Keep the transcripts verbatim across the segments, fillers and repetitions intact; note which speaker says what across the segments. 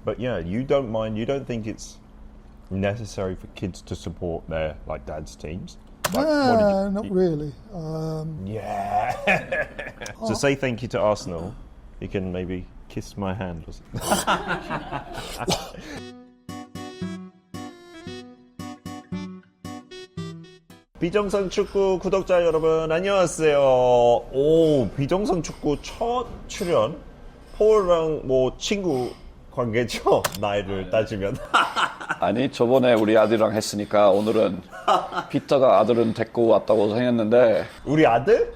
Speaker 1: But yeah, you don't mind. You don't think it's necessary for kids to support their like dad's teams? Like, what did
Speaker 2: No,
Speaker 1: you-
Speaker 2: not really. Um,
Speaker 1: Yeah. So say thank you to Arsenal. You can maybe kiss my hand or something. 비정상 축구 구독자 여러분 안녕하세요. 오, 비정상 축구 첫 출연. 폴랑 뭐 친구 관계죠? 나이를 따지면.
Speaker 3: 아니 저번에 우리 아들이랑 했으니까 오늘은 피터가 아들은 데리고 왔다고 생각했는데
Speaker 1: 우리 아들?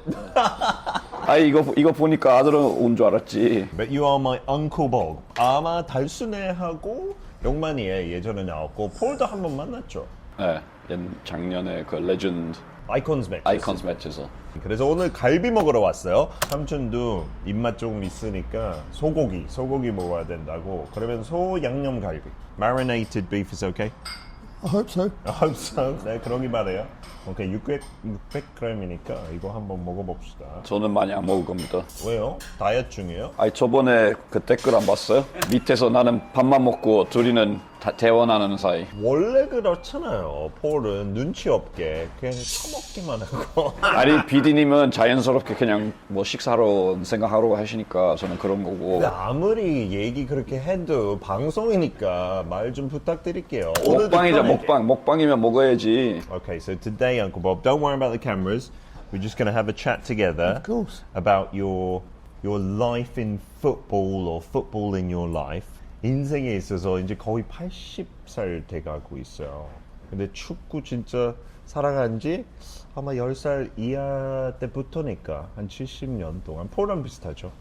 Speaker 3: 아니 이거 이거 보니까 아들은 온 줄 알았지.
Speaker 1: But you are my Uncle Bob. 아마 달순애하고 용만이에 예전에 나왔고 폴도 한 번 만났죠.
Speaker 3: 네, 옛 작년에 그 레전드
Speaker 1: 아이콘스 매치.
Speaker 3: 아이콘스 매치에서.
Speaker 1: 그래서 오늘 갈비 먹으러 왔어요. 삼촌도 입맛 조금 있으니까 소고기, 소고기 먹어야 된다고. 그러면 소 양념 갈비. Marinated beef is okay?
Speaker 2: I hope so.
Speaker 1: I hope so. 네, 그러기 바래요. 오케이, 육백 그램이니까 이거 한번 먹어봅시다.
Speaker 3: 저는 많이 안 먹을 겁니다.
Speaker 1: 왜요? 다이어트 중이에요?
Speaker 3: 아니 저번에 그 댓글 안 봤어요? 밑에서 나는 밥만 먹고 둘이는 다 대원하는 사이.
Speaker 1: 원래 그렇잖아요. 폴은 눈치 없게 그냥 처먹기만 하고.
Speaker 3: 아니 비디님은 자연스럽게 그냥 뭐 식사로 생각하러 하시니까 저는 그런 거고.
Speaker 1: 근데 아무리 얘기 그렇게 해도 방송이니까 말 좀 부탁드릴게요. 오늘도
Speaker 3: 먹방이죠
Speaker 1: 편하게.
Speaker 3: 먹방. 먹방이면 먹어야지.
Speaker 1: Okay, so today, Uncle Bob, don't worry about the cameras. We're just going to have a chat together
Speaker 2: Of course.
Speaker 1: about your your life in football or football in your life. 인생에 있어서 이제 거의 팔십 살 돼가고 있어요. 근데 축구 진짜 사랑한 지 아마 열 살 이하 때부터니까 한 칠십 년 동안 폴랑 비슷하죠.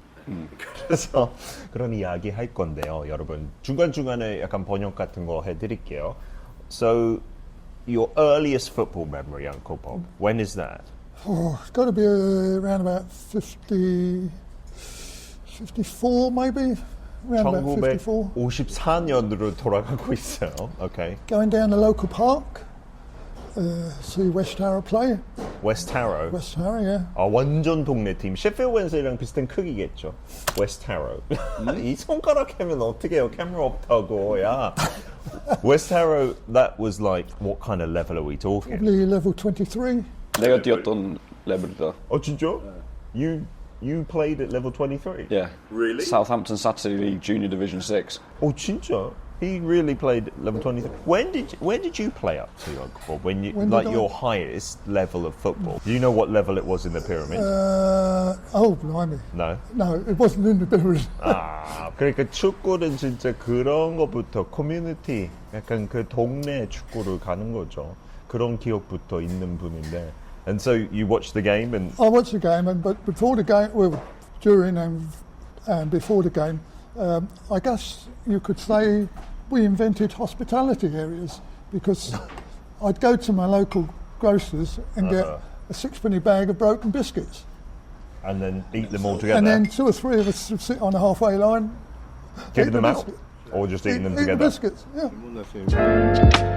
Speaker 1: 그래서 그런 이야기 할 건데요, 여러분. 중간중간에 약간 번역 같은 거 해드릴게요. So, your earliest football memory, Uncle Bob, when is that?
Speaker 2: Oh, it's got to be uh, around about fifty, fifty-four maybe? Around about fifty-four.
Speaker 1: 천구백오십사 년으로 돌아가고 있어요. Okay.
Speaker 2: Going down the local park, uh, see West Harrow play.
Speaker 1: West Harrow.
Speaker 2: West Harrow, yeah.
Speaker 1: 아, 완전 동네 팀. 셰필드 웬슬리랑 비슷한 크기겠죠. West Harrow. 이 손가락 하면 어떻게 해요? 카메라 없다고. 야. West Harrow, that was like, what kind of level are we talking?
Speaker 2: Probably level twenty-three.
Speaker 3: 내가 뛰었던 레벨이다.
Speaker 1: 어, 진짜? You, you played at level twenty-three?
Speaker 3: Yeah.
Speaker 1: Really?
Speaker 3: Southampton Saturday League Junior Division six.
Speaker 1: Oh, 진짜? He really played at level twenty-three. When did you, where did you play up to, Uncle Bob? When you
Speaker 2: When
Speaker 1: like
Speaker 2: did I-
Speaker 1: your highest level of football? Do you know what level it was in the pyramid?
Speaker 2: Uh, oh, blimey.
Speaker 1: no.
Speaker 2: No, it wasn't in the pyramid.
Speaker 1: 아, 그러니까 축구는 진짜 그런 것부터 커뮤니티, 약간 그 동네 축구를 가는 거죠. 그런 기억부터 있는 분인데. And so you watched the game and
Speaker 2: I watched the game, and but before the game, well, during and, and before the game, um, I guess you could say we invented hospitality areas because I'd go to my local grocers and get a sixpenny bag of broken biscuits,
Speaker 1: and then eat them all together.
Speaker 2: and then two or three of us would sit on the halfway line,
Speaker 1: giving
Speaker 2: eat
Speaker 1: them
Speaker 2: the
Speaker 1: out,
Speaker 2: biscuit.
Speaker 1: or just
Speaker 2: eat,
Speaker 1: eating them
Speaker 2: eat the
Speaker 1: together.
Speaker 2: biscuits. Yeah.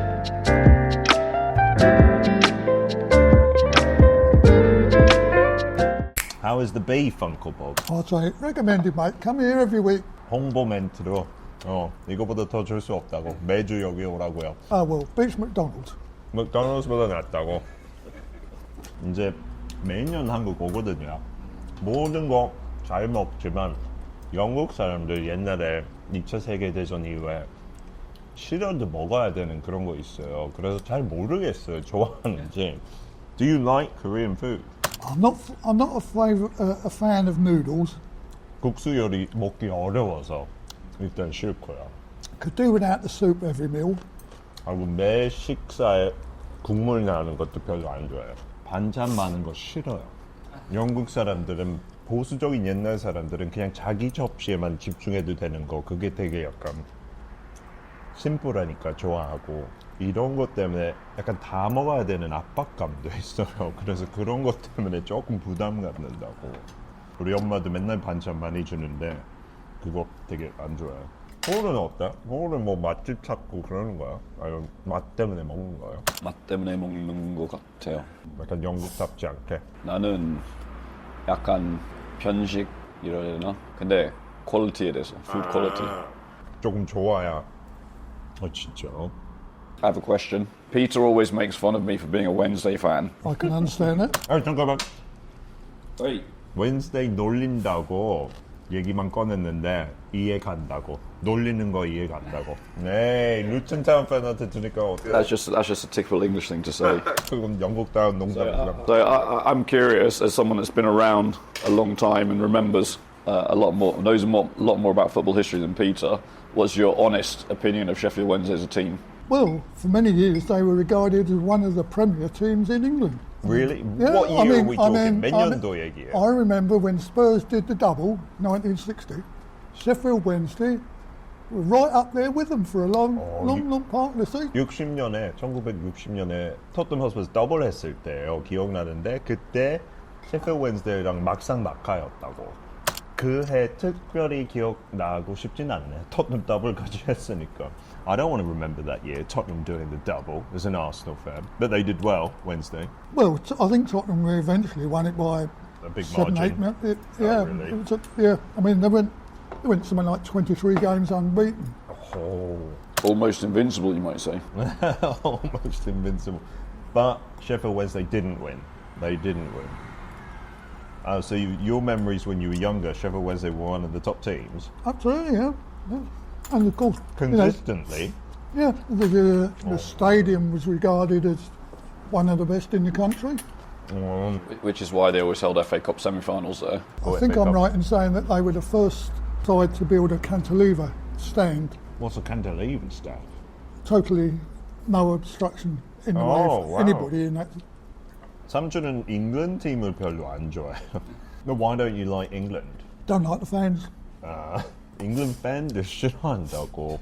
Speaker 1: How is the beef, Uncle Bob?
Speaker 2: I'd say recommended, mate. Come here every week.
Speaker 1: 홍보 멘트로 어 이거보다 더 줄 수 없다고 매주 여기 오라고요.
Speaker 2: Oh well, beats McDonald's.
Speaker 1: 맥도날드보다 낫다고. 이제 매년 한국 오거든요. 모든 거 잘 먹지만 영국 사람들 옛날에 이 차 세계대전 이후에 싫어도 먹어야 되는 그런 거 있어요. 그래서 잘 모르겠어요. 좋아하는지. Do you like Korean food?
Speaker 2: I'm not. I'm not a, favor, uh, a fan of noodles.
Speaker 1: 국수 요리 먹기 어려워서 일단 싫고요.
Speaker 2: Could do without the soup every meal.
Speaker 1: 그리고 매 식사에 국물 나는 것도 별로 안 좋아해요. 반찬 많은 거 싫어요. 영국 사람들은 보수적인 옛날 사람들은 그냥 자기 접시에만 집중해도 되는 거 그게 되게 약간 심플하니까 좋아하고 이런 것 때문에 약간 다 먹어야 되는 압박감도 있어요. 그래서 그런 것 때문에 조금 부담 갖는다고. 우리 엄마도 맨날 반찬 많이 주는데 그거 되게 안 좋아해요. 홀은 어때? 홀은 뭐 맛집 찾고 그러는 거야? 아니면 맛 때문에 먹는 거예요?
Speaker 3: 맛 때문에 먹는 것 같아요.
Speaker 1: 약간 영국답지 않게.
Speaker 3: 나는 약간 편식 이러려나? 근데 퀄리티에 대해서, 푸드 퀄리티.
Speaker 1: 조금 좋아야. 어 진짜.
Speaker 3: I have a question. Peter always makes fun of me for being a Wednesday fan.
Speaker 2: I can understand that.
Speaker 1: 아 잠깐만.
Speaker 3: Wait.
Speaker 1: 웬스데이 놀린다고 얘기만 꺼냈는데 이해 간다고. 놀리는 거 이해 간다고. 네, 루튼타운 팬한테 들으니까 어때요?
Speaker 3: That's just that's just a typical English thing to say.
Speaker 1: 그건 영국다운 농담이야.
Speaker 3: So I, I- I'm curious, as someone that's been around a long time and remembers uh, a lot more, knows a more, lot more about football history than Peter. What's your honest opinion of Sheffield Wednesday as a team?
Speaker 2: Well, for many years they were regarded as one of the premier teams in England.
Speaker 1: Really?
Speaker 2: Yeah,
Speaker 1: what year
Speaker 2: I mean,
Speaker 1: are we
Speaker 2: I
Speaker 1: talking?
Speaker 2: mean,
Speaker 1: 몇
Speaker 2: I
Speaker 1: 년도
Speaker 2: mean,
Speaker 1: 얘기예요?
Speaker 2: I remember when Spurs did the double, nineteen sixty, Sheffield Wednesday were right up there with them for a long,
Speaker 1: Oh,
Speaker 2: long,
Speaker 1: you-
Speaker 2: long part of the season.
Speaker 1: 육십 년에 천구백육십 년에 토트넘 허스퍼스 더블 했을 때요 기억나는데 그때 셰필드 웬스데이랑 막상 막하였다고. 그 해 특별히 기억나고 싶진 않네. 토트넘 더블까지 했으니까. I don't want to remember that year Tottenham doing the double as an Arsenal fan, but they did well Wednesday.
Speaker 2: Well, t- I think Tottenham eventually won it by
Speaker 1: A big
Speaker 2: seven,
Speaker 1: margin.
Speaker 2: eight. mil- It, yeah,
Speaker 1: really?
Speaker 2: it was a, yeah. I mean, they went, they went something like twenty-three games unbeaten.
Speaker 1: Oh,
Speaker 3: Almost invincible, you might say.
Speaker 1: almost invincible. But Sheffield Wednesday didn't win. They didn't win. Uh, so you, your memories when you were younger, Sheffield Wednesday were one of the top teams
Speaker 2: Absolutely, yeah. yeah. And of course, you know,
Speaker 1: consistently.
Speaker 2: yeah, the, the, the stadium was regarded as one of the best in the country.
Speaker 1: Um,
Speaker 3: Which is why they always held F A Cup semi-finals there.
Speaker 1: Oh,
Speaker 2: I think
Speaker 1: F A
Speaker 2: I'm
Speaker 1: Cup.
Speaker 2: right in saying that they were the first side to build a cantilever stand,
Speaker 1: What's a cantilever staff?
Speaker 2: totally no obstruction in the
Speaker 1: Oh,
Speaker 2: way
Speaker 1: wow.
Speaker 2: of anybody in that.
Speaker 1: 삼촌은 잉글랜드 팀을 별로 안 좋아해요. No, why don't you like England?
Speaker 2: Don't like the fans.
Speaker 1: 아, 잉글랜드 팬들 싫어한다고.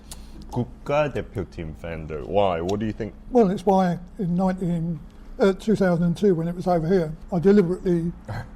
Speaker 1: 국가대표팀 팬들. Why? What do you think?
Speaker 2: Well, it's why in nineteen, uh, two thousand two, when it was over here, I deliberately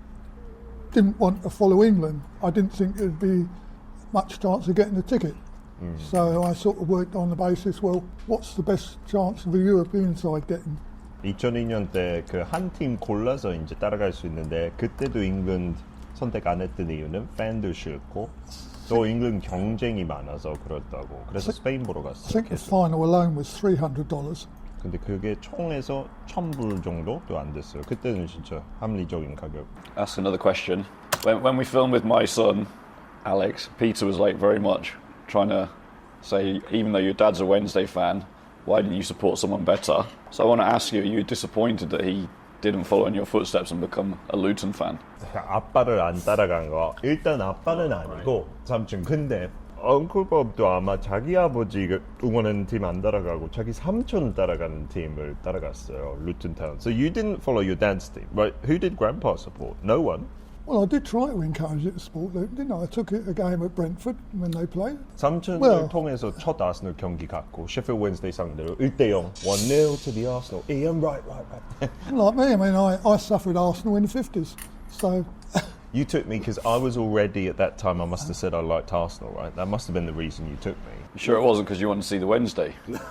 Speaker 2: didn't want to follow England. I didn't think there'd be much chance of getting a ticket. So I sort of worked on the basis, well, what's the best chance of a European side getting?
Speaker 1: 이천이 년 때 그 한 팀 골라서 이제 따라갈 수 있는데 그때도 잉글랜드 선택 안 했던 이유는 팬도 싫고 또 잉글랜드 경쟁이 많아서 그렇다고. 그래서 스페인 보러
Speaker 2: I
Speaker 1: 갔어요.
Speaker 2: think the final alone was three hundred dollars.
Speaker 1: 근데 그게 총에서 천 불 정도도 안 됐어요. 그때는 진짜 합리적인 가격.
Speaker 3: Ask another question. When, when we filmed with my son, Alex, Peter was like very much trying to say, even though your dad's a Wednesday fan, why didn't you support someone better? So I want to ask you, are you disappointed that he didn't follow in your footsteps and become a Luton fan?
Speaker 1: 아빠를 안 따라간 거. 일단 아빠는 아니고 삼촌. 근데 엉클 법도 아마 자기 아버지가 응원하는 팀 안 따라가고 자기 삼촌 따라가는 팀을 따라갔어요. 루튼 타운. So you didn't follow your dad's team, right? Who did Grandpa support? No one.
Speaker 2: Well, I did try to encourage it to support Luton, didn't I? I took it a game at Brentford when they played.
Speaker 1: 삼촌을
Speaker 2: Well-
Speaker 1: 통해서 첫 아스널 경기 갔고 셰필드 웬스데이 상대로 일 대 영 one nil to the Arsenal. Ian, right, right, right.
Speaker 2: Like me, I mean, I, I suffered Arsenal in the fifties. So,
Speaker 1: You took me because I was already at that time. I must have said I liked Arsenal, right? That must have been the reason you took me.
Speaker 3: You sure it wasn't because you wanted to see the Wednesday?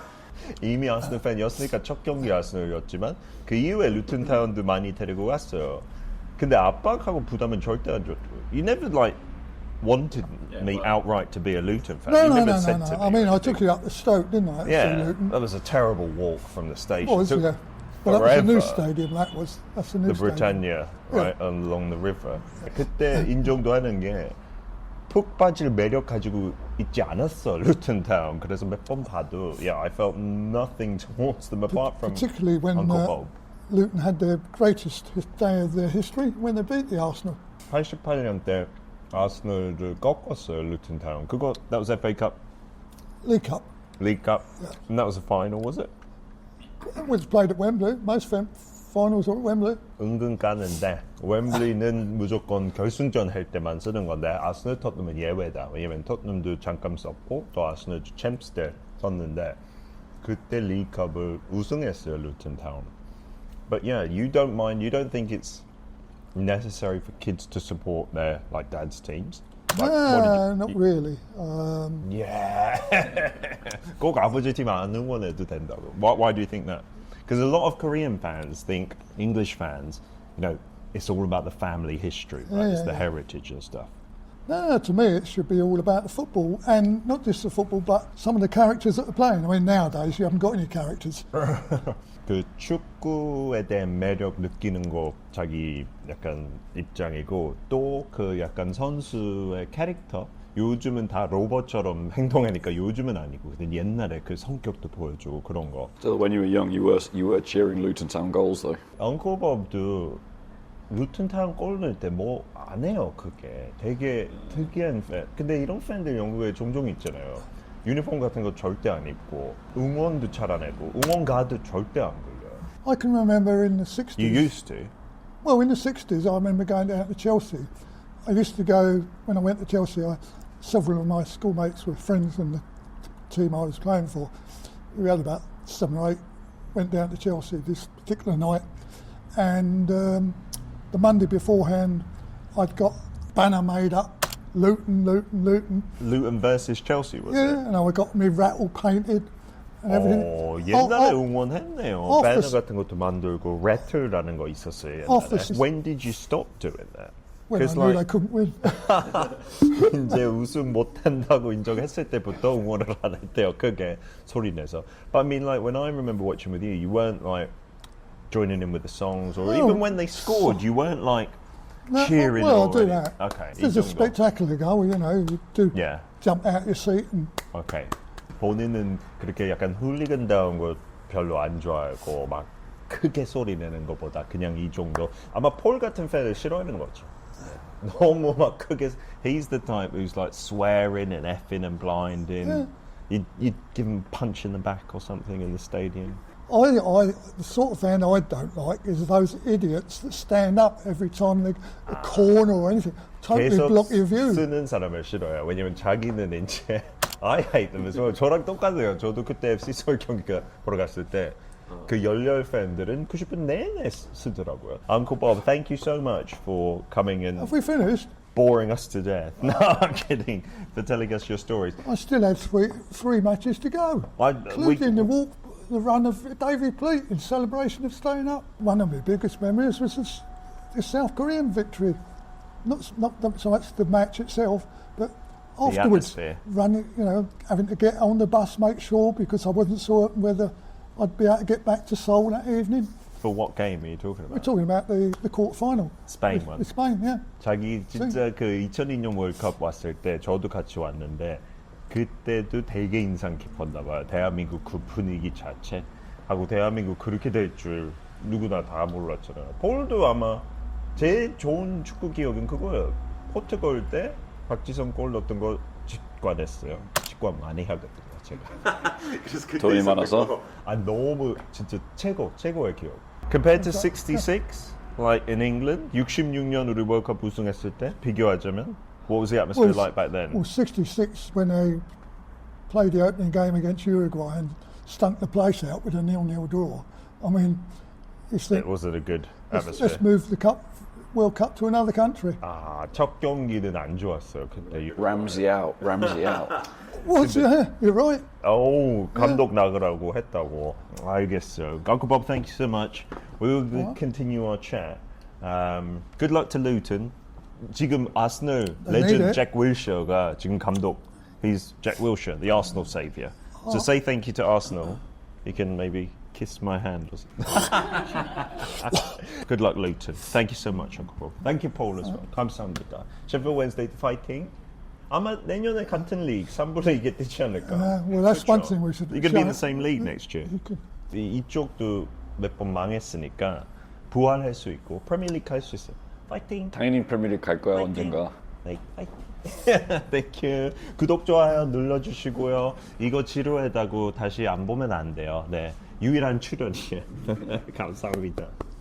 Speaker 1: 이미 아스널 팬이었으니까 첫 경기 아스널이었지만 그 이후에 루튼 타운도 많이 데리고 갔어요. 근데 압박하고 부담은 절대 안 줬고. You never like wanted me outright to be a Luton fan.
Speaker 2: no,
Speaker 1: you
Speaker 2: no,
Speaker 1: never
Speaker 2: no,
Speaker 1: said
Speaker 2: no,
Speaker 1: to
Speaker 2: no.
Speaker 1: me.
Speaker 2: I mean, I took it up to Stoke, didn't I? to see
Speaker 1: Yeah,
Speaker 2: Luton.
Speaker 1: that was a terrible walk from the station.
Speaker 2: Was,
Speaker 1: Took
Speaker 2: yeah. But that was a new
Speaker 1: forever.
Speaker 2: stadium, that was. That's a new
Speaker 1: The
Speaker 2: stadium.
Speaker 1: Britannia, right, along the river. 그때 인정도 하는 게 푹 빠질 매력 가지고 있지 않았어, 루튼 타운. 그래서 몇 번 봐도, yeah, I felt nothing towards them apart from
Speaker 2: Particularly when
Speaker 1: Uncle
Speaker 2: uh,
Speaker 1: Bob.
Speaker 2: Luton had their greatest his- day of their history when they beat the Arsenal.
Speaker 1: 팔십팔 년 때 아스널을 꺾었어요, 루튼 타운. 그거, that was F A Cup,
Speaker 2: League Cup.
Speaker 1: League Cup, and that was the final, was it?
Speaker 2: It was played at Wembley. Most fam- finals are at Wembley.
Speaker 1: 은근 까는데 웸블리는 무조건 결승전 할 때만 쓰는 건데 아스널 토트넘은 예외다. 왜냐면 토트넘도 잠깐 썼고 또 아스널도 챔스 때 썼는데 그때 리그컵을 우승했어요 루튼 타운. But yeah, you don't mind. You don't think it's necessary for kids to support their like dad's teams? Like, what did
Speaker 2: No,
Speaker 1: you-
Speaker 2: not really. Um,
Speaker 1: Yeah. 꼭 아버지 팀 안 응원해도 된다고. Why, why do you think that? Because a lot of Korean fans think English fans, you know, it's all about the family history, right?
Speaker 2: Yeah,
Speaker 1: it's
Speaker 2: yeah,
Speaker 1: the
Speaker 2: yeah.
Speaker 1: heritage and stuff.
Speaker 2: No, to me it should be all about the football, and not just the football, but some of the characters that are playing. I mean, nowadays you haven't got any characters.
Speaker 1: 그 축구에 대한 매력 느끼는 거 자기 약간 입장이고 또 그 약간 선수의 캐릭터 요즘은 다 로봇처럼 행동하니까 요즘은 아니고 근데 옛날에 그 성격도 보여주고 그런 거.
Speaker 3: So when you were young, you were you were cheering Luton Town goals though.
Speaker 1: 엉클 법도 루튼타운 골 넣을 때 뭐 안 해요. 그게 되게 특이한 팬. 근데 이런 팬들 영국에 종종 있잖아요. 유니폼 같은 거 절대 안 입고 응원도 잘 안 하고 응원 가도 절대 안 불려요.
Speaker 2: I can remember in the sixties.
Speaker 1: You used to?
Speaker 2: Well, in the sixties, I remember going down to Chelsea. I used to go, when I went to Chelsea, I, several of my schoolmates were friends in the team I was playing for. We had about seven or eight, went down to Chelsea this particular night. And um, the Monday beforehand, I'd got a banner made up, Luton, Luton, Luton.
Speaker 1: Luton versus Chelsea was
Speaker 2: Yeah,
Speaker 1: it?
Speaker 2: and I got me rattle painted and everything.
Speaker 1: 어, 옛날에
Speaker 2: Oh, oh,
Speaker 1: 응원했네요.
Speaker 2: off
Speaker 1: 배너
Speaker 2: the-
Speaker 1: 같은 것도 만들고 레틀라는 거 있었어요.
Speaker 2: Off the
Speaker 1: 옛날에.
Speaker 2: s-
Speaker 1: When did you stop doing that?
Speaker 2: when I
Speaker 1: 'Cause
Speaker 2: knew they
Speaker 1: like
Speaker 2: couldn't win.
Speaker 1: 이제 우승 못한다고 인정했을 때부터 응원을 안 했대요. 크게 소리 내서. But I mean, like when I remember watching with you, you weren't like joining in with the songs, or
Speaker 2: No.
Speaker 1: even when they scored, you weren't like
Speaker 2: No,
Speaker 1: cheering.
Speaker 2: well, I'll
Speaker 1: or
Speaker 2: do
Speaker 1: any-
Speaker 2: that.
Speaker 1: Okay.
Speaker 2: If
Speaker 1: 이
Speaker 2: there's a
Speaker 1: 정도.
Speaker 2: spectacular goal, you know, you do
Speaker 1: Yeah.
Speaker 2: jump out your seat and
Speaker 1: Okay. 본인은 그렇게 약간 훌리건다운 거 별로 안 좋아하고 막 크게 소리 내는 것보다 그냥 이 정도. 아마 폴 같은 팬을 싫어하는 거죠. 네. 너무 막 크게. He's the type who's like swearing and effing and blinding.
Speaker 2: Yeah.
Speaker 1: You'd, you'd give him a punch in the back or something in the stadium.
Speaker 2: I, I, the sort of fan I don't like is those idiots that stand up every time they a corner or anything, totally
Speaker 1: 계속
Speaker 2: block your view.
Speaker 1: 쓰는 사람을 싫어해요. 왜냐면 자기는 이제 I hate them as well. 저랑 똑같아요. 저도 그때 에프씨 서울 경기가 보러 갔을 때 그 열렬 팬들은 구십 분 내내 쓰- 쓰더라고요. Uncle Bob, thank you so much for coming and
Speaker 2: Have we finished?
Speaker 1: boring us to death. No, I'm kidding. For telling us your stories.
Speaker 2: I still had three three matches to go,
Speaker 1: I- we-
Speaker 2: including the walk, the run of Davy Pleat in celebration of staying up. One of my biggest memories was this, the South Korean victory. Not s- not the- so much the match itself, but afterwards,
Speaker 1: atmosphere.
Speaker 2: running, you know, having to get on the bus, make sure because I wasn't certain whether I'd be able to get back to Seoul that evening.
Speaker 1: For what game are you talking
Speaker 2: We're
Speaker 1: about?
Speaker 2: talking about the, the quarter final.
Speaker 1: Spain
Speaker 2: with,
Speaker 1: one.
Speaker 2: with Spain, yeah.
Speaker 1: 자기 진짜 그 이천이 년 월드컵 왔을 때 저도 같이 왔는데 그때도 되게 인상 깊었나 봐요. 대한민국 그 분위기 자체 하고 대한민국 그렇게 될 줄 누구나 다 몰랐잖아요. 폴도 아마 제일 좋은 축구 기억은 그거예요. 포르투갈 때 박지성 골 넣었던 거 직관했어요. 직관 많이 하거든요. 제가.
Speaker 3: 돈이 많아서?
Speaker 1: 아 너무 진짜 최고 최고의 기억. Compared to sixty-six, like in England, 육십육 년 우리 월드컵 우승했을 때 비교하자면, what was the atmosphere
Speaker 2: Well,
Speaker 1: like back then?
Speaker 2: Well, sixty-six when they played the opening game against Uruguay and stunk the place out with a nil-nil draw. I mean, it's the,
Speaker 1: It wasn't a good
Speaker 2: let's,
Speaker 1: atmosphere.
Speaker 2: let's move the cup, World Cup to another country.
Speaker 1: 아, 첫 경기는 안 좋았어요. 그때.
Speaker 3: Ramsey out, Ramsey out.
Speaker 2: Was yeah, you're right.
Speaker 1: 오, 감독 나가라고 했다고. 알겠어요. Uncle Bob, thank you so much. We'll
Speaker 2: What?
Speaker 1: continue our chat. Um, good luck to Luton. 지금 아스널
Speaker 2: They need
Speaker 1: 레전드
Speaker 2: it.
Speaker 1: 잭 윌셔가 지금 감독. He's Jack Wilshere, the Arsenal saviour.
Speaker 2: Oh.
Speaker 1: So say thank you to Arsenal. You can maybe kiss my hand or something. Good luck, Luton. Thank you so much, Uncle Bob. Thank you, Paul, as well. 감사합니다. Sheffield Wednesday fighting. 아마 내년에 같은 리그 삼 분의 이게 되지 않을까.
Speaker 2: Uh, well, that's one
Speaker 1: 그렇죠?
Speaker 2: thing we should.
Speaker 1: You're going to be in
Speaker 2: show-
Speaker 1: the same league next year.
Speaker 2: You could-
Speaker 1: 이, 이쪽도 몇 번 망했으니까 부활할 수 있고 프리미어리그 할 수 있어요. 파이팅.
Speaker 3: 당연히 프리미어리그 갈 거야 언젠가.
Speaker 1: 네, 파이팅. 땡큐. 구독 좋아요 눌러주시고요. 이거 지루하다고 다시 안 보면 안 돼요. 네, 유일한 출연이에요. 감사합니다.